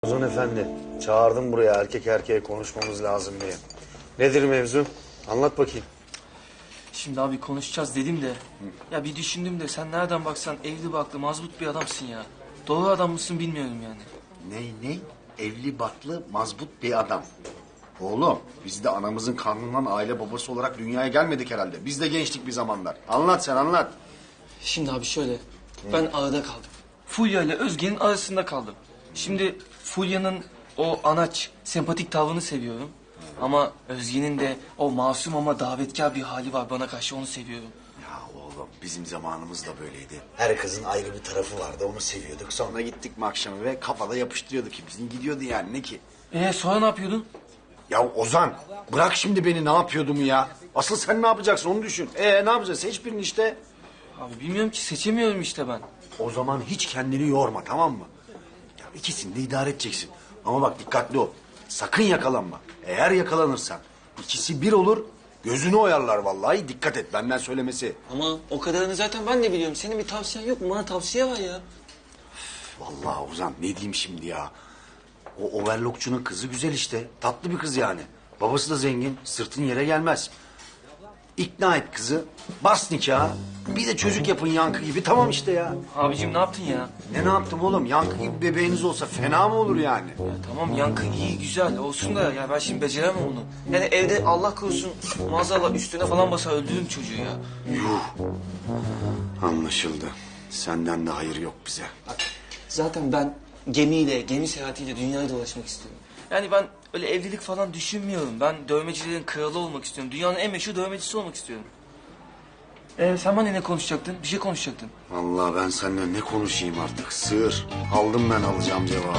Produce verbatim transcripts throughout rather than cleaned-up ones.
Ozan Efendi, çağırdım buraya erkek erkeğe konuşmamız lazım diye. Nedir mevzu? Anlat bakayım. Şimdi abi konuşacağız dedim de ya bir düşündüm de sen nereden baksan evli barklı mazbut bir adamsın ya. Doğru adam mısın bilmiyorum yani. Ne ne? Evli barklı mazbut bir adam. Oğlum biz de anamızın karnından aile babası olarak dünyaya gelmedik herhalde. Biz de gençtik bir zamanlar. Anlat sen anlat. Şimdi abi şöyle ben arada kaldım. Fulya ile Özge'nin arasında kaldım. Şimdi Fulya'nın o anaç sempatik tavrını seviyorum. Ama Özge'nin de o masum ama davetkar bir hali var bana karşı, onu seviyorum. Ya oğlum bizim zamanımız da böyleydi. Her kızın ayrı bir tarafı vardı, onu seviyorduk. Sonra gittik mi akşamı ve kafada yapıştırıyorduk ki bizim gidiyordu yani, ne ki? Ee sonra ne yapıyordun? Ya Ozan bırak şimdi beni, ne yapıyordum ya? Asıl sen ne yapacaksın onu düşün. Ee ne yapacağız? Seç birini işte. Abi bilmiyorum ki, seçemiyorum işte ben. O zaman hiç kendini yorma, tamam mı? Ya ikisini de idare edeceksin. Ama bak dikkatli ol. Sakın yakalanma. Eğer yakalanırsan ikisi bir olur, gözünü oyarlar vallahi. Dikkat et, benden söylemesi. Ama o kadarını zaten ben de biliyorum. Senin bir tavsiyen yok mu? Bana tavsiye var ya. Vallahi Ozan ne diyeyim şimdi ya. O overlockçunun kızı güzel işte. Tatlı bir kız yani. Babası da zengin. Sırtın yere gelmez. İkna et kızı. Bas nikahı. Bir de çocuk yapın Yankı gibi. Tamam işte ya. Abicim ne yaptın ya? Ne ne yaptım oğlum? Yankı gibi bebeğiniz olsa fena mı olur yani? Ya tamam yankı iyi güzel olsun da ya ben şimdi beceremem onu. Yani evde Allah korusun maazallah üstüne falan basar öldürürüm çocuğu ya. Yuh. Anlaşıldı. Senden de hayır yok bize. Zaten ben gemiyle, gemi seyahatiyle dünyayı dolaşmak istiyorum. Yani ben öyle evlilik falan düşünmüyorum. Ben dövmecilerin kralı olmak istiyorum. Dünyanın en meşhur dövmecisi olmak istiyorum. Ee, sen bana ne konuşacaktın? Bir şey konuşacaktın. Vallahi ben seninle ne konuşayım artık? Sığır. Aldım ben alacağım cevabı.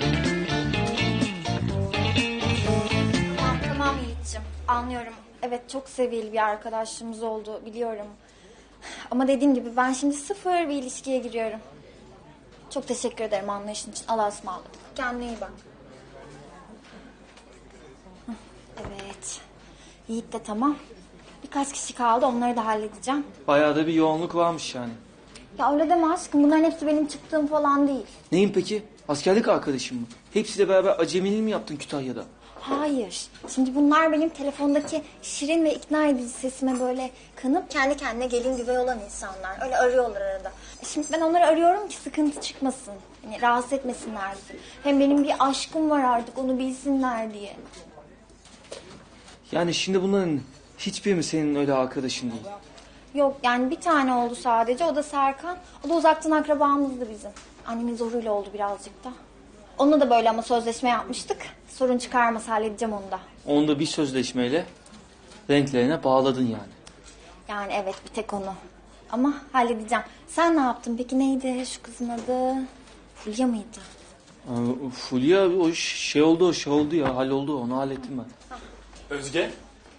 Tamam tamam Yiğit'ciğim, anlıyorum. Evet, çok seviyeli bir arkadaşlığımız oldu, biliyorum. Ama dediğim gibi ben şimdi sıfır bir ilişkiye giriyorum. Çok teşekkür ederim anlayışın için. Allah'a ısmarladık. Kendine iyi bak. Hı, evet. Yiğit de tamam. Birkaç kişi kaldı, onları da halledeceğim. Bayağı da bir yoğunluk varmış yani. Ya öyle deme aşkım, bunların hepsi benim çıktığım falan değil. Neyin peki? Askerlik arkadaşın mı? Hepsiyle beraber acemiliği mi yaptın Kütahya'da? Hayır. Şimdi bunlar benim telefondaki şirin ve ikna edici sesime böyle kanıp kendi kendine gelin güvey olan insanlar. Öyle arıyorlar arada. Şimdi ben onları arıyorum ki sıkıntı çıkmasın. Yani rahatsız etmesinler bizi. Hem benim bir aşkım var artık, onu bilsinler diye. Yani şimdi bunların hiçbiri mi senin öyle arkadaşın değil? Yok yani bir tane oldu sadece, o da Serkan. O da uzaktan akrabamızdı bizim. Annemin zoruyla oldu birazcık da. Onunla da böyle ama sözleşme yapmıştık. Sorun çıkarmasa halledeceğim onu da. Onu da bir sözleşmeyle renklerine bağladın yani. Yani evet, bir tek onu. Ama halledeceğim. Sen ne yaptın peki, neydi şu kızın adı? Fulya mıydı? Aa, Fulya o şey oldu, o şey oldu ya, halloldu, onu hallettim ben. Özge?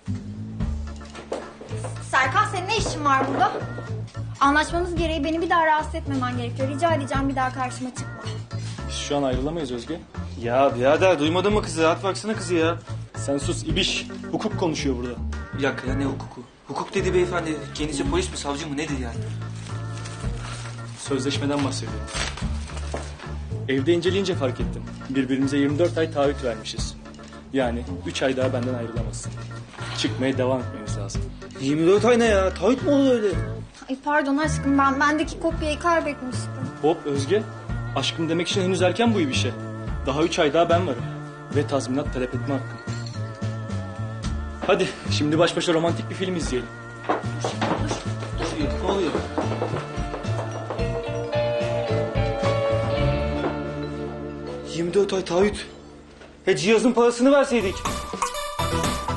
Serkan, senin ne işin var burada? Anlaşmamız gereği beni bir daha rahatsız etmemen gerekiyor. Rica edeceğim, bir daha karşıma çıkma. Şu an ayrılamayız Özge. Ya birader duymadın mı kızı? Rahat baksana kızı ya. Sen sus ibiş. Hukuk konuşuyor burada. Bir dakika ya, ne hukuku? Hukuk dedi beyefendi. Kendisi polis mi, savcı mı, nedir yani? Sözleşmeden bahsediyorum. Evde inceleyince fark ettim. Birbirimize yirmi dört ay taahhüt vermişiz. Yani üç ay daha benden ayrılamazsın. Çıkmaya devam etmemiz lazım. yirmi dört ay ne ya? Taahhüt mü olur öyle? Ay pardon aşkım, ben bendeki kopyayı kaybetmiştim. Hop Özge. Aşkım demek için henüz erken bu ibişe. Daha üç ay daha ben varım. Ve tazminat talep etme hakkım. Hadi şimdi baş başa romantik bir film izleyelim. Ne oluyor? Ne oluyor? yirmi dört ay taahhüt. He cihazın parasını verseydik.